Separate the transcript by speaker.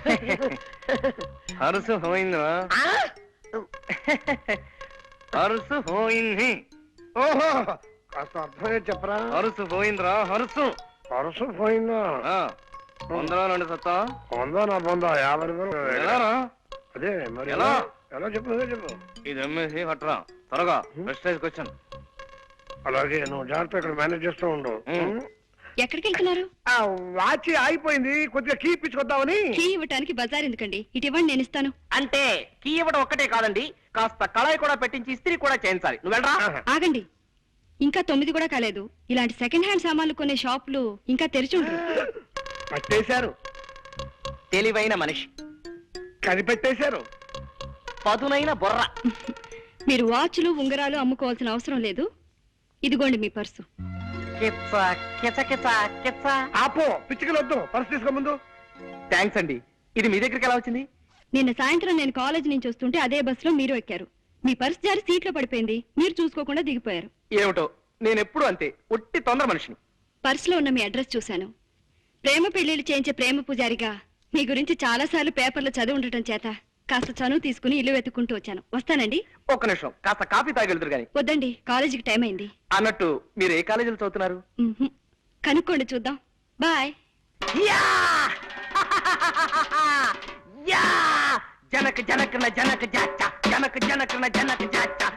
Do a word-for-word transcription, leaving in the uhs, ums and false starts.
Speaker 1: హరుసు పోయిందా? హరుసు పోయింది.
Speaker 2: ఓహో, కాస్త అర్థమే చెప్పరా.
Speaker 1: హరుసు పోయిందిరా, హరుసు.
Speaker 2: పరుసు పోయిందా?
Speaker 1: వందలో రెండు సత్తా.
Speaker 2: పొందా నా పొందా యాభై రూపాయలు.
Speaker 1: ఎలారా?
Speaker 2: అదే మరి
Speaker 1: ఎలా?
Speaker 2: ఎలా చెప్పు అదే చెప్పు.
Speaker 1: ఇది అమ్మేసి కట్టరా త్వరగా. Prestige question.
Speaker 2: అలాగే నువ్వు జాగ్రత్త ఇక్కడ మేనేజ్ చేస్తూ ఉండు.
Speaker 3: ఎక్కడికి వెళ్తున్నారు?
Speaker 2: ఆ వాచ్ ఆగిపోయింది, కొద్దిగా కీ ఇప్పించుకొద్దామని.
Speaker 3: కీ ఇవ్వటానికి బజార్ ఎందుకండి, ఇటు ఇవ్వండి, నేను ఇస్తాను.
Speaker 4: అంటే కీ ఇవ్వడం ఒక్కటే కాదండి, కాస్త కళాయి కూడా పెట్టించి ఇస్త్రీ కూడా చేయించాలి. నువ్వు వెళ్ళరా.
Speaker 3: ఆగండి, ఇంకా తొమ్మిది కూడా కాలేదు. ఇలాంటి సెకండ్ హ్యాండ్ సామాన్లు కొనే షాపులు ఇంకా తెరిచి ఉండరు.
Speaker 2: పట్టేశారు.
Speaker 4: తెలివైన మనిషి,
Speaker 2: కనిపెట్టేశారు.
Speaker 4: పదునైన బొర్ర.
Speaker 3: మీరు వాచ్లు ఉంగరాలు అమ్ముకోవాల్సిన అవసరం లేదు. ఇదిగోండి మీ పర్సు.
Speaker 4: కిచ్చ కిచ కిచ కిచ్చ.
Speaker 2: ఆపో, పిచ్చికలు వద్దు, పర్సు తీసుకో ముందు.
Speaker 4: థ్యాంక్స్ అండి. ఇది మీ దగ్గరికి ఎలా వచ్చింది?
Speaker 3: నిన్న సాయంత్రం నేను కాలేజ్ నుంచి వస్తుంటే అదే బస్సులో మీరు ఎక్కారు. మీ పర్సు జారి సీట్లో పడిపోయింది, మీరు చూసుకోకుండా దిగిపోయారు.
Speaker 4: ఏమిటో, నేను ఎప్పుడు అంతే, ఒట్టి తొందర మనిషిని.
Speaker 3: పర్సులో ఉన్న మీ అడ్రస్ చూశాను. ప్రేమ పెళ్లిళ్ళు చేయించే ప్రేమ పూజారిగా మీ గురించి చాలా సార్లు పేపర్లో చదివి ఉండటం చేత కాస్త చనువు తీసుకుని ఇల్లు వెతుక్కుంటూ వచ్చాను. వస్తానండి.
Speaker 4: ఒక్క నిమిషం, కాస్త కాఫీ తాగెళ్తురు గాని.
Speaker 3: వద్దండి, కాలేజీకి టైం అయింది.
Speaker 4: అన్నట్టు మీరు ఏ కాలేజీలో చదువుతున్నారు?
Speaker 3: మ్మ్హ్. కనుక్కోండి, చూద్దాం. బాయ్.
Speaker 4: యా! యా! జనక జనకన జనక జాచ, జనక జనకన జనక జాచ.